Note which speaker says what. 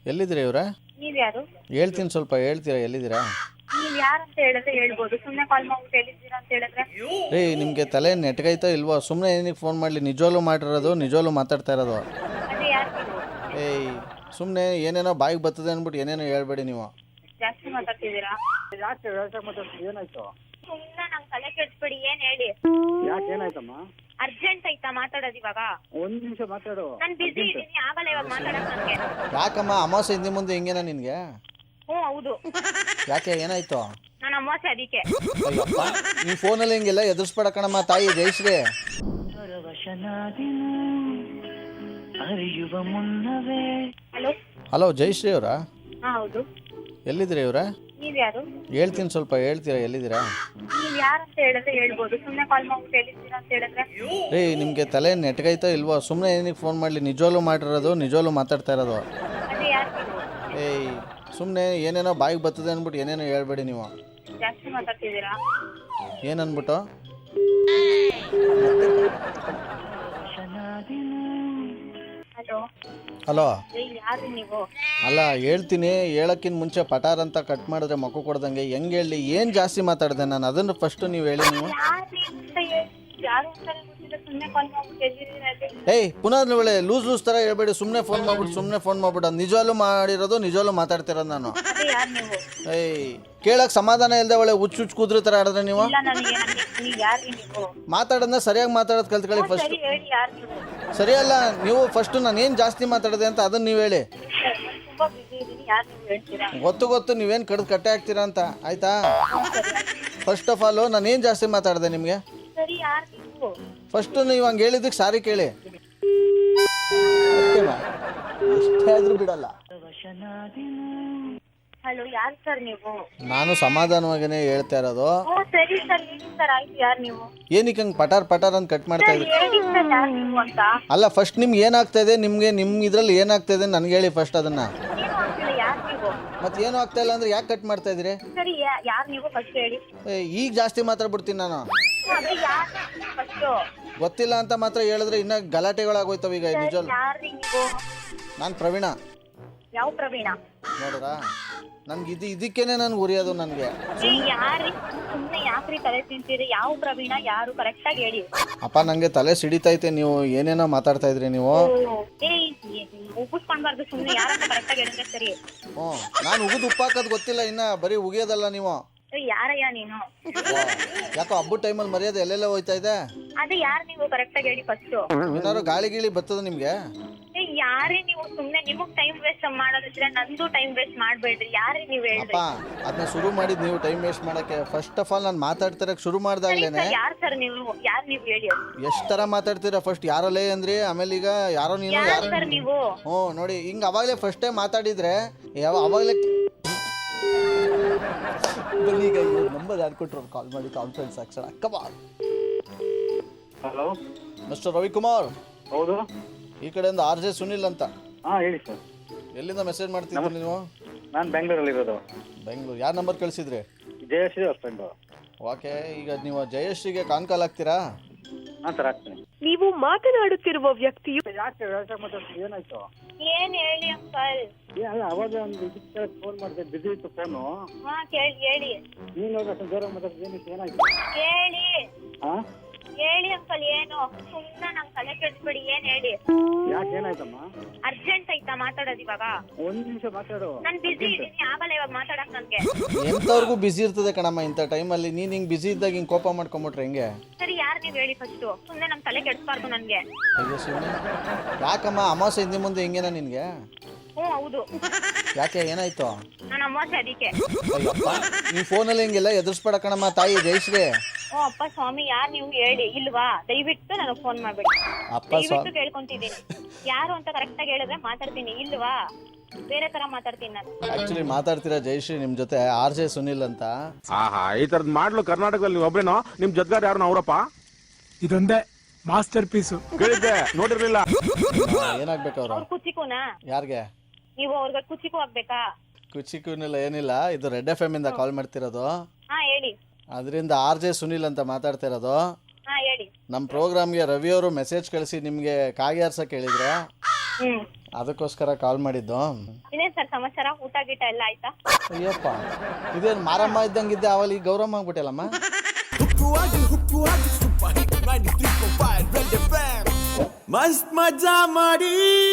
Speaker 1: ಎಲ್ಲಿದ್ದೀರಾ ಇವ್ರ?
Speaker 2: ನೀವ್ ಯಾರು?
Speaker 1: ಹೇಳ್ತೀನಿ, ಸ್ವಲ್ಪ ಹೇಳ್ತೀರಾ ಎಲ್ಲಿದ್ದೀರಾ?
Speaker 2: ನೀವ್ ಯಾರಂತ ಹೇಳಿದ್ರೆ ಹೇಳ್ಬೋದು. ಸುಮ್ನೆ ಕಾಲ್ ಮಾಡ್ಬಿಟ್ಟು ಎಲ್ಲಿದ್ದೀರಾ ಅಂತ ಹೇಳಿದ್ರೆ
Speaker 1: ರೀ, ನಿಮಗೆ ತಲೆ ನೆಟ್ಗೈತಾ ಇಲ್ವೋ? ಸುಮ್ಮನೆ ಏನಕ್ಕೆ ಫೋನ್ ಮಾಡಲಿ? ನಿಜವಾಗ್ಲೂ ಮಾಡಿರೋದು, ನಿಜವಾಗ್ಲೂ ಮಾತಾಡ್ತಾ ಇರೋದು.
Speaker 2: ಅದೇ ಯಾರು ನೀವು?
Speaker 1: ಏಯ್, ಸುಮ್ಮನೆ ಏನೇನೋ ಬಾಯಿಗೆ ಬರ್ತದೆ ಅಂದ್ಬಿಟ್ಟು ಏನೇನೋ ಹೇಳ್ಬೇಡಿ ನೀವು.
Speaker 2: ಜಾಸ್ತಿ ಮಾತಾಡ್ತಿದ್ದೀರಾ?
Speaker 3: ಯಾಕೆ ವ್ಯವಸಾಯ ಮಾತಾಡ್ತೀವಿ? ಏನಾಯ್ತು?
Speaker 2: ಸುಮ್ನೆ ನಂಗೆ ತಲೆ ಕೆಡ್ಸ್ಬೇಡಿ. ಏನ್ ಹೇಳಿ?
Speaker 3: ಯಾಕೆ ಏನಾಯ್ತಮ್ಮ?
Speaker 2: ಅರ್ಜೆಂಟ್ ಐತಾ ಮಾತಾಡೋದು ಇವಾಗ?
Speaker 3: ಒಂದ್ ನಿಮಿಷ ಮಾತಾಡು.
Speaker 2: ನಾನ್ ಬಿಸಿ ಇದ್ದೀನಿ, ಆಗಲ್ಲ ಇವಾಗ ಮಾತಾಡಕ್ ನನ್ಗೆ.
Speaker 1: ಯಾಕಮ್ಮ ಅಮಾವಾಸ್ಯೆ ಹಿಂದೆ ಮುಂದೆ ಹಿಂಗೇನ ನಿನಗೆ?
Speaker 2: ಹ್ಞೂ ಹೌದು,
Speaker 1: ಯಾಕೆ ಏನಾಯ್ತು?
Speaker 2: ನಾನು ಅಮಾವಾಸ್ಯೆ ಅದಕ್ಕೆ.
Speaker 1: ಅಯ್ಯಪ್ಪ, ನೀವು ಫೋನಲ್ಲಿ ಹಿಂಗೆಲ್ಲ ಎದುರಿಸ್ಬೇಡ ಕಣಮ್ಮ ತಾಯಿ ಜಯಶ್ರೀ.
Speaker 2: ಹಲೋ.
Speaker 1: ಹಲೋ ಜಯಶ್ರೀ ಅವರಾ?
Speaker 2: ಹಾ ಹೌದು.
Speaker 1: ಎಲ್ಲಿದ್ದೀರಾ ಇವ್ರ?
Speaker 2: ನೀವ್ ಯಾರು?
Speaker 1: ಹೇಳ್ತೀನಿ, ಸ್ವಲ್ಪ ಹೇಳ್ತೀರಾ ಎಲ್ಲಿದ್ದೀರಾ?
Speaker 2: ನೀವ್ ಯಾರಂತ ಹೇಳಿದ್ರೆ ಹೇಳ್ಬೋದು. ಸುಮ್ನೆ ಕಾಲ್ ಮಾಡ್ಬಿಟ್ಟು ಎಲ್ಲಿದ್ದೀರಾ ಅಂತ ಹೇಳಿದ್ರೆ
Speaker 1: ರೀ, ನಿಮಗೆ ತಲೆ ನೆಟ್ಗೈತಾ ಇಲ್ವೋ? ಸುಮ್ಮನೆ ಏನಕ್ಕೆ ಫೋನ್ ಮಾಡಲಿ? ನಿಜವಾಗ್ಲೂ ಮಾಡಿರೋದು, ನಿಜವಾಗ್ಲೂ ಮಾತಾಡ್ತಾ ಇರೋದು.
Speaker 2: ಅದೇ ಯಾರು ನೀವು?
Speaker 1: ಏಯ್, ಸುಮ್ಮನೆ ಏನೇನೋ ಬಾಯಿಗೆ ಬರ್ತದೆ ಅಂದ್ಬಿಟ್ಟು ಏನೇನೋ ಹೇಳ್ಬೇಡಿ ನೀವು.
Speaker 2: ಜಾಸ್ತಿ ಮಾತಾಡ್ತಿದ್ದೀರಾ?
Speaker 1: ಏನನ್ಬಿಟ್ಟು?
Speaker 2: ಹಲೋ.
Speaker 1: ಹಲೋ.
Speaker 2: ಯಾರು ನೀವು?
Speaker 1: ಅಲ್ಲ, ಹೇಳ್ತೀನಿ, ಹೇಳೋಕ್ಕಿಂತ ಮುಂಚೆ ಪಟಾರ್ ಅಂತ ಕಟ್ ಮಾಡಿದ್ರೆ ಮಕ್ಕು ಕೊಡ್ದಂಗೆ ಹೆಂಗೆ ಹೇಳಿ? ಏನು ಜಾಸ್ತಿ ಮಾತಾಡಿದೆ ನಾನು? ಅದನ್ನು ಫಸ್ಟು ನೀವು ಹೇಳಿ. ನೀವು
Speaker 2: ಯಾರು ಅಂತ ಗೊತ್ತಿಲ್ಲ. ಸುಮ್ನೆ ಕಾಲ್ ಮಾಡ್ಬಿಟ್ಟು ಎಲ್ಲಿದ್ದೀರಾ ಅಲ್ಲಿ?
Speaker 1: ಏಯ್, ಪುನಃ ಒಳ್ಳೆ ಲೂಸ್ ಥರ ಹೇಳ್ಬೇಡಿ. ಸುಮ್ಮನೆ ಫೋನ್ ಮಾಡ್ಬಿಟ್ಟು ನಿಜವಾಗ್ಲೂ ಮಾಡಿರೋದು, ನಿಜವಾಗ್ಲೂ ಮಾತಾಡ್ತಿರೋದು ನಾನು.
Speaker 2: ಅದೇ ಯಾರು ನೀವು?
Speaker 1: ಏಯ್, ಕೇಳಕ್ಕೆ ಸಮಾಧಾನ ಇಲ್ಲದೆ ಒಳ್ಳೆ ಹುಚ್ಚು ಕೂದ್ರಿ ಥರ ಆಡಿದ್ರೆ ನೀವು.
Speaker 2: ಇಲ್ಲ ನನಗೆ. ನೀವು ಯಾರು ನೀವು?
Speaker 1: ಮಾತಾಡೋದನ್ನ ಸರಿಯಾಗಿ ಮಾತಾಡೋದು ಕಲ್ತ್ಕೊಳ್ಳಿ ಫಸ್ಟ್.
Speaker 2: ಸರಿ ಹೇಳಿ, ಯಾರು ನೀವು?
Speaker 1: ಸರಿಯಲ್ಲ, ನೀವು ಫಸ್ಟು ನಾನು ಏನು ಜಾಸ್ತಿ ಮಾತಾಡಿದೆ ಅಂತ ಅದನ್ನು ನೀವು ಹೇಳಿ.
Speaker 2: ನಾನು ತುಂಬಾ ಬಿಸಿ ಇದ್ದೀನಿ, ಯಾರು ನೀವು ಹೇಳ್ತೀರಾ?
Speaker 1: ಗೊತ್ತು ನೀವೇನು ಕಟ್ಟೆ ಹಾಕ್ತೀರಾ ಅಂತ, ಆಯಿತಾ? ಫಸ್ಟ್ ಆಫ್ ಆಲು ನಾನು ಏನು ಜಾಸ್ತಿ ಮಾತಾಡಿದೆ ನಿಮಗೆ?
Speaker 2: ಸರಿ, ಯಾರು ನೀವು?
Speaker 1: ಫಸ್ಟು ನೀವು ಹಂಗೆ ಹೇಳಿದ್ದಕ್ಕೆ ಸಾರಿ ಕೇಳಿ. ಎಷ್ಟೇ ಆದರೂ ಬಿಡಲ್ಲ.
Speaker 2: ಹಲೋ, ಯಾರು ಸರ್ ನೀವು?
Speaker 1: ನಾನು ಸಮಾಧಾನವಾಗಿಯೇ ಹೇಳ್ತಾ ಇರೋದು.
Speaker 2: ಓ ಸರಿ ಸರ್, ಹೇಳಿ ಸರ್. ಆಯ್ತು, ಯಾರು ನೀವು?
Speaker 1: ಏನಕ್ಕೆ ಹಂಗೆ ಪಟಾರ್ ಅಂತ ಕಟ್ ಮಾಡ್ತಾ ಇದ್ರಿ?
Speaker 2: ಹೇಳಿ ಸರ್, ಯಾರು ನೀವು ಅಂತ.
Speaker 1: ಅಲ್ಲ, ಫಸ್ಟ್ ನಿಮ್ಗೆ ಏನಾಗ್ತಾ ಇದೆ, ನಿಮ್ಮ ಇದ್ರಲ್ಲಿ ಏನಾಗ್ತಾ ಇದೆ ನನಗೆ ಹೇಳಿ ಫಸ್ಟ್ ಅದನ್ನು.
Speaker 2: ಏನು ಆಗ್ತಿಲ್ಲ, ಯಾರು ನೀವು?
Speaker 1: ಮತ್ತೆ ಏನೂ ಆಗ್ತಾ ಇಲ್ಲ ಅಂದರೆ ಯಾಕೆ ಕಟ್ ಮಾಡ್ತಾ ಇದ್ದೀರಿ?
Speaker 2: ಸರಿ, ಯಾರು ನೀವು ಫಸ್ಟ್ ಹೇಳಿ.
Speaker 1: ಈಗ ಜಾಸ್ತಿ ಮಾತಾಡ್ಬಿಡ್ತೀನಿ ನಾನು.
Speaker 2: ಅದೇ ಯಾರು ಫಸ್ಟು?
Speaker 1: ಗೊತ್ತಿಲ್ಲ ಅಂತ ಮಾತ್ರ ಹೇಳಿದ್ರೆ ಇನ್ನೂ ಗಲಾಟೆಗಳಾಗೋಯ್ತವೆ ಈಗ. ನಿಜವಲ್ಲ,
Speaker 2: ಯಾರು ನೀವು?
Speaker 1: ನಾನು ಪ್ರವೀಣ.
Speaker 2: ಯಾವ ಪ್ರವೀಣ?
Speaker 1: ನೋಡ್ರಾ, ನನ್ಗೆ ಇದಕ್ಕೇನೆ ನನ್ಗೆ ಉರಿಯೋದು ನನಗೆ.
Speaker 2: ಯಾರು? ಸುಮ್ಮನೆ ಯಾಕ್ರಿ ತಲೆ ತಿಂತೀರಿ? ಯಾವ ಪ್ರವೀಣ? ಯಾರು? ಕರೆಕ್ಟಾಗಿ ಹೇಳಿ.
Speaker 1: ಅಪ್ಪ, ನನಗೆ ತಲೆ ಸಿಡಿತೈತೆ, ನೀವು ಏನೇನೋ ಮಾತಾಡ್ತಾ ಇದ್ರಿ ನೀವು.
Speaker 2: ಉಪ್ಪಿಸ್ಕೊಂಡ್ಬಾರ್ದು, ಸುಮ್ಮನೆ ಯಾರಂತ ಕರೆಕ್ಟಾಗಿ ಹೇಳಿದ್ರೆ ಸರಿ.
Speaker 1: ಹ್ಞೂ, ನಾನು ಉಗಿದು ಉಪ್ಪು ಹಾಕೋದು ಗೊತ್ತಿಲ್ಲ, ಇನ್ನು ಬರೀ ಉಗಿಯೋದಲ್ಲ ನೀವು.
Speaker 2: ಯಾರಯ್ಯ ನೀನು?
Speaker 1: ಯಾಕೋ ಹಬ್ಬದ ಟೈಮಲ್ಲಿ ಮರ್ಯಾದೆ ಎಲ್ಲೆಲ್ಲ ಹೋಯ್ತಾ ಇದೆ.
Speaker 2: ಅದೇ ಯಾರು ನೀವು? ಕರೆಕ್ಟಾಗಿ ಹೇಳಿ ಫಸ್ಟು.
Speaker 1: ಏನಾದ್ರು ಗಾಳಿ ಗೀಳಿ ಬರ್ತದ ನಿಮಗೆ?
Speaker 2: ಯಾರೇ ನೀವು? ಸುಮ್ನೆ ನಿಮಗ್ ಟೈಮ್ ವೇಸ್ಟ್ ಮಾಡೋದಿದ್ರೆ ನಂದು ಟೈಮ್ ವೇಸ್ಟ್ ಮಾಡ್ಬೇಡ್ರಿ. ಯಾರೇ ನೀವು ಹೇಳ್ರಿ?
Speaker 1: ಅಪ್ಪ, ಅದನ್ನ ಶುರು ಮಾಡಿದ್ ನೀವು ಟೈಮ್ ವೇಸ್ಟ್ ಮಾಡಕ್ಕೆ. ಫಸ್ಟ್ ಆಫ್ ಆಲ್ ನಾನು ಮಾತಾಡ್ತಿರಕ್ಕೆ ಶುರು ಮಾಡ್ದಾಗ್ಲೇನೆ.
Speaker 2: ಯಾರು ಸರ್ ನೀವು? ಯಾರು ನೀವು ಹೇಳಿ?
Speaker 1: ಎಷ್ಟು ಥರ ಮಾತಾಡ್ತೀರಾ? ಫಸ್ಟ್ ಯಾರಲ್ಲೇ ಅಂದ್ರಿ, ಆಮೇಲೆ ಈಗ ಯಾರೋ ನೀನು.
Speaker 2: ಯಾರು ಸರ್ ನೀವು?
Speaker 1: ಹ್ಞೂ, ನೋಡಿ ಹಿಂಗೆ ಅವಾಗಲೇ ಫಸ್ಟ್ ಟೈಮ್ ಮಾತಾಡಿದ್ರೆ ಅವಾಗಲೇ ಈಗ ನಂಬರ್ ಯಾರು ಕೊಟ್ಟರು? ಕಾಲ್ ಮಾಡಿ ಕಾನ್ಫರೆನ್ಸ್ ಹಾಕ್ಸೋಣ. ಅಕ್ಕಮ್ಮ.
Speaker 3: Hello
Speaker 1: mister Ravikumar.
Speaker 3: ಹೌದು.
Speaker 1: ಈ ಕಡೆಯಿಂದ RJ ಸುನಿಲ್ ಅಂತ.
Speaker 3: ಹಾಂ ಹೇಳಿ ಸರ್.
Speaker 1: ಎಲ್ಲಿಂದ ಮೆಸೇಜ್ ಮಾಡ್ತಿದ್ರಿ ನೀವು?
Speaker 3: ನಾನು ಬೆಂಗಳೂರಲ್ಲಿರೋದು.
Speaker 1: ಬೆಂಗಳೂರು. ಯಾರು ನಂಬರ್ ಕಳಿಸಿದ್ರಿ?
Speaker 3: ಜಯಶ್ರೀ ಅವ್ರ ಫ್ರೆಂಡು.
Speaker 1: ಓಕೆ, ಈಗ ನೀವು ಜಯಶ್ರೀಗೆ ಕಾಲ್ ಹಾಕ್ತೀರಾ?
Speaker 3: ಹಾಂ ಸರ್, ಆಗ್ತೀನಿ.
Speaker 4: ನೀವು ಮಾತನಾಡುತ್ತಿರುವ ವ್ಯಕ್ತಿಯು
Speaker 3: ಯಾಕೆ ವ್ಯವಸಾಯ ಮಾತಾಡ್ತೀವಿ? ಏನಾಯ್ತು?
Speaker 2: ಏನ್ ಹೇಳಿ ಅಂಕಲ್?
Speaker 3: ಅಲ್ಲ, ಅವಾಗ ಒಂದು ಇದಕ್ಕೆ ಫೋನ್ ಮಾಡಿದೆ, ಬಿಸಿ ಇತ್ತು ಫೋನು.
Speaker 2: ಹಾ ಹೇಳಿ.
Speaker 3: ನೀನು ಅಷ್ಟು ಜೋರಾಗಿ ಮಾತಾಡ್ತೀವಿ, ಏನಕ್ಕೆ? ಏನಾಯ್ತು?
Speaker 2: ಹೇಳಿ
Speaker 3: ಹಾಂ
Speaker 2: ಹೇಳಿ ಅಂಕಲ್. ಏನು? ಸುಮ್ನೆ ನಂಗೆ ತಲೆ ಕೆಡ್ಸ್ಬೇಡಿ. ಏನ್ ಹೇಳಿ?
Speaker 3: ಯಾಕೆ ಏನಾಯ್ತಮ್ಮ?
Speaker 2: ಅರ್ಜೆಂಟ್ ಐತಾ ಮಾತಾಡೋದು ಇವಾಗ?
Speaker 3: ಒಂದು ನಿಮಿಷ ಮಾತಾಡು.
Speaker 2: ನಾನ್ ಬಿಸಿ ಇದ್ದೀನಿ, ಆಗಲ್ಲ ಇವಾಗ ಮಾತಾಡಕ್ ನನ್ಗೆ.
Speaker 1: ಎಂಥವ್ರಿಗೂ ಬಿಸಿ ಇರ್ತದೆ ಕಣಮ್ಮ ಇಂಥ ಟೈಮಲ್ಲಿ. ನೀನು ಹಿಂಗೆ ಬಿಸಿ ಇದ್ದಾಗ ಹಿಂಗೆ ಕೋಪ ಮಾಡ್ಕೊಂಬಿಟ್ರೆ ಹೆಂಗೆ?
Speaker 2: ಸರಿ, ಯಾರು ನೀವು ಹೇಳಿ ಫಸ್ಟು? ಸುಮ್ನೆ ನಮ್ ತಲೆ ಕೆಡ್ಸ್ಬಾರ್ದು ನನ್ಗೆ.
Speaker 1: ಅಯ್ಯೋ ಸುಮ್ಮನೆ ಯಾಕಮ್ಮ ಅಮಾವಾಸ್ಯೆ ಹಿಂದೆ ಮುಂದೆ ಹಿಂಗೇನ ನಿನಗೆ?
Speaker 2: ಹ್ಞೂ ಹೌದು,
Speaker 1: ಯಾಕೆ ಏನಾಯ್ತು?
Speaker 2: ನಾನು ಅಮಾವಾಸ್ಯೆ ಅದಕ್ಕೆ.
Speaker 1: ಅಯ್ಯಪ್ಪ, ನೀವು ಫೋನಲ್ಲಿ ಹಿಂಗೆಲ್ಲ ಎದುರಿಸ್ಬೇಡ ಕಣಮ್ಮ ತಾಯಿ ಜಯಶ್ರೀ.
Speaker 2: ಓ ಅಪ್ಪ ಸ್ವಾಮಿ, ಯಾರು ನೀವು ಹೇಳಿ? ಇಲ್ವಾ? ದಯವಿಟ್ಟು ನನಗೆ ಫೋನ್ ಮಾಡ್ಬೇಡಿ.
Speaker 1: ಅಪ್ಪ
Speaker 2: ದಯವಿಟ್ಟು ಕೇಳ್ಕೊಂತಿದ್ದೀನಿ. ಯಾರು ಅಂತ ಕರೆಕ್ಟಾಗಿ ಹೇಳಿದ್ರೆ ಮಾತಾಡ್ತೀನಿ, ಇಲ್ವಾ ಬೇರೆ ತರ ಮಾತಾಡ್ತೀನಿ ನಾನು.
Speaker 1: ಆಕ್ಚುಲಿ ಮಾತಾಡ್ತೀರಾ ಜಯಶ್ರೀ ನಿಮ್ಮ ಜೊತೆ RJ ಸುನಿಲ್ ಅಂತ.
Speaker 5: ಆಹಾ, ಈ ತರದ್ ಮಾಡ್ಲು ಕರ್ನಾಟಕದಲ್ಲಿ ನೀವು ಒಬ್ರೇನೋ? ನಿಮ್ ಜೊತೆಗಾರ ಯಾರು ಅವರಪ್ಪ?
Speaker 6: ಇದೊಂದೇ ಮಾಸ್ಟರ್ ಪೀಸು.
Speaker 5: ಕೇಳಿದ್ದೆ, ನೋಡಿರ್ಲಿಲ್ಲ.
Speaker 1: ಏನಾಗ್ಬೇಕು ಅವರು?
Speaker 2: ಅವ್ರ ಕುಚಿಕುನಾ?
Speaker 1: ಯಾರಿಗೆ?
Speaker 2: ನೀವು ಅವ್ರಿಗೆ ಕುಚಿಕು ಆಗ್ಬೇಕಾ?
Speaker 1: ಕುಚಿಕೂನಿಲ್ಲ, ಏನಿಲ್ಲ. ಇದು ರೆಡ್ FM ಇಂದ ಕಾಲ್ ಮಾಡ್ತಿರೋದು.
Speaker 2: ಹಾ ಹೇಳಿ.
Speaker 1: ಅದರಿಂದ RJ ಸುನಿಲ್ ಅಂತ ಮಾತಾಡ್ತಿರೋದು.
Speaker 2: ಹಾ ಹೇಳಿ.
Speaker 1: ನಮ್ಮ ಪ್ರೋಗ್ರಾಮ್ಗೆ ರವಿ ಅವರು ಮೆಸೇಜ್ ಕಳಿಸಿ ನಿಮಗೆ ಕಾಗಿ ಆರ್ಸಕ್ಕೆ ಹೇಳಿದ್ರು. ಅದಕ್ಕೋಸ್ಕರ ಕಾಲ್ ಮಾಡಿದ್ದು.
Speaker 2: ಇನ್ನೇನ್ ಸರ್ ಸಮಾಚಾರ? ಊಟ ಗೀಟ ಎಲ್ಲ ಆಯ್ತಾ?
Speaker 1: ಅಯ್ಯಪ್ಪ, ಇದೇನು ಮಾರಮ್ಮ ಇದ್ದಂಗಿದ್ದೆ, ಅವಲ್ಲಿ ಈಗ ಗೌರಮ್ಮ ಆಗ್ಬಿಟ್ಟಲ್ಲಮ್ಮ.
Speaker 7: ಮಸ್ತ್ ಮಜಾ ಮಾಡಿ